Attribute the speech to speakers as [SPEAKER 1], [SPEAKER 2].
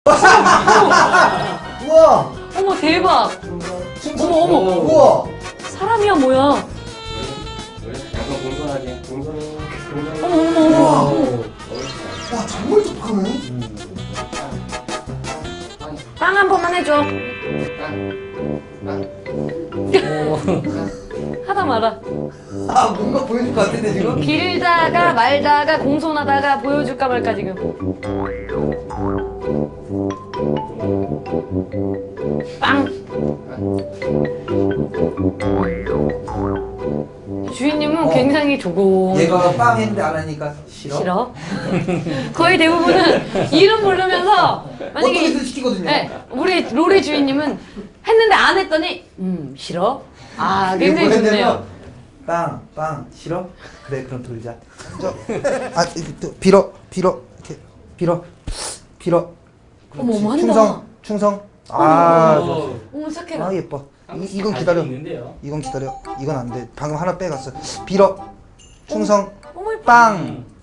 [SPEAKER 1] 우와.
[SPEAKER 2] 어머 대박. 어머.
[SPEAKER 1] 우와.
[SPEAKER 2] 사람이야 뭐야.
[SPEAKER 3] 약간 공손하게.
[SPEAKER 2] 어머.
[SPEAKER 1] 와 정말 독하네.
[SPEAKER 2] 빵 한 번만 해줘. 하다 말아.
[SPEAKER 1] 아 뭔가 보여줄 것 같은데 지금?
[SPEAKER 2] 빌다가 말다가 공손하다가 보여줄까 말까 지금. 빵. 주인님은 굉장히 조곤.
[SPEAKER 1] 얘가 빵 했는데 안 하니까 싫어?
[SPEAKER 2] 싫어? 거의 대부분은 이름 부르면서
[SPEAKER 1] 어떻게든 시키거든요.
[SPEAKER 2] 네, 우리 로리 주인님은 했는데 안 했더니 싫어? 아 굉장히
[SPEAKER 1] 이게
[SPEAKER 2] 좋네요.
[SPEAKER 1] 뭐였냐면 빵 싫어? 그래 그럼 돌자. 아 빌어 이렇게 빌어.
[SPEAKER 2] 어머 어머 한다.
[SPEAKER 1] 충성. 아 좋았어.
[SPEAKER 2] 어머 착해라.
[SPEAKER 1] 아 예뻐. 이건 기다려. 이건 기다려. 이건 안 돼. 방금 하나 빼갔어. 빌어 충성
[SPEAKER 2] 어머 예뻐.
[SPEAKER 1] 빵